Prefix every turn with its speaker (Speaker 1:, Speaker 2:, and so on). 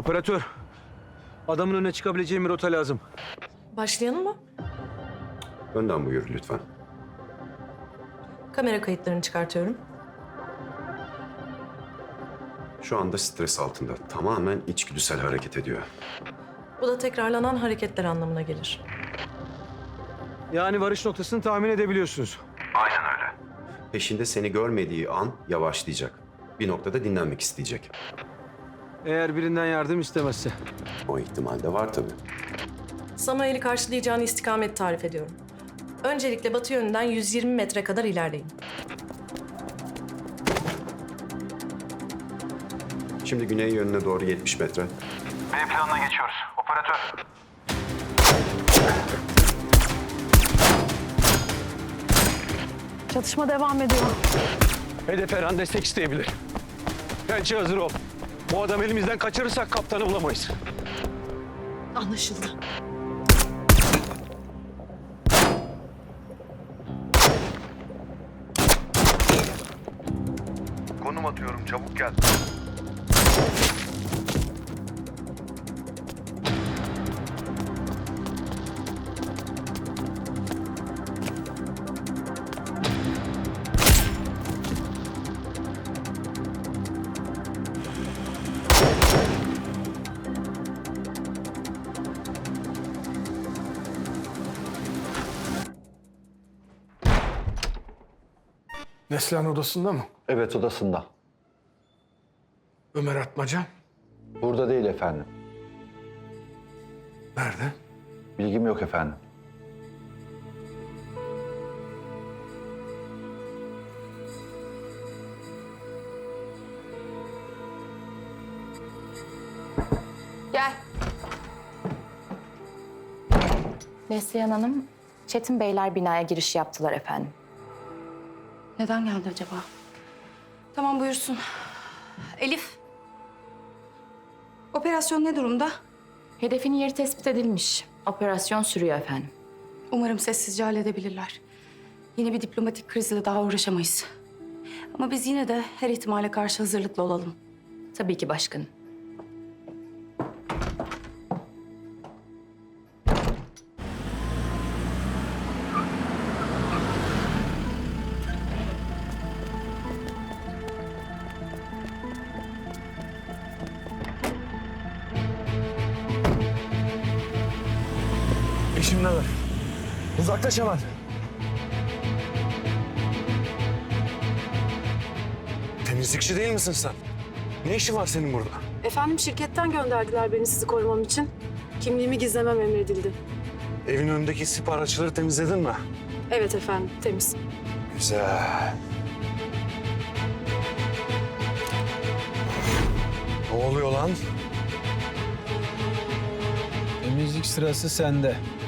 Speaker 1: Operatör, adamın önüne çıkabileceğim bir rota lazım.
Speaker 2: Başlayalım mı?
Speaker 3: Önden buyur lütfen.
Speaker 2: Kamera kayıtlarını çıkartıyorum.
Speaker 3: Şu anda stres altında. Tamamen içgüdüsel hareket ediyor.
Speaker 2: Bu da tekrarlanan hareketler anlamına gelir.
Speaker 1: Yani varış noktasını tahmin edebiliyorsunuz.
Speaker 3: Aynen öyle. Peşinde seni görmediği an yavaşlayacak. Bir noktada dinlenmek isteyecek.
Speaker 1: Eğer birinden yardım istemezse.
Speaker 3: O ihtimal de var tabii.
Speaker 2: Samuel'i karşılayacağını istikamet tarif ediyorum. Öncelikle batı yönünden 120 metre kadar ilerleyin.
Speaker 3: Şimdi güney yönüne doğru 70 metre.
Speaker 4: B planına geçiyoruz. Operatör.
Speaker 5: Çatışma devam ediyor.
Speaker 1: Hedef her an destek isteyebilir. Pençe hazır ol. Bu adamı elimizden kaçırırsak kaptanı bulamayız.
Speaker 5: Anlaşıldı.
Speaker 4: Konum atıyorum. Çabuk gel.
Speaker 6: Neslihan odasında mı?
Speaker 7: Evet, odasında.
Speaker 6: Ömer Atmaca
Speaker 7: Burada değil efendim.
Speaker 6: nerede?
Speaker 7: Bilgim yok efendim.
Speaker 8: Gel. Neslihan Hanım, Çetin Beyler binaya giriş yaptılar efendim.
Speaker 5: Neden geldi acaba? Tamam buyursun. Elif. Operasyon ne durumda?
Speaker 8: Hedefin yeri tespit edilmiş. Operasyon sürüyor efendim.
Speaker 5: Umarım sessizce halledebilirler. Yeni bir diplomatik krizle daha uğraşamayız. Ama biz yine de her ihtimale karşı hazırlıklı olalım.
Speaker 8: Tabii ki başkanım.
Speaker 6: Peşimde ver. Uzaklaş hemen. Temizlikçi değil misin sen? Ne işin var senin burada?
Speaker 9: Efendim şirketten gönderdiler beni sizi korumam için. Kimliğimi gizlemem emredildi.
Speaker 6: Evin önündeki isip araçları temizledin mi?
Speaker 9: Evet efendim, temiz.
Speaker 6: Güzel. Ne oluyor lan?
Speaker 1: Temizlik sırası sende.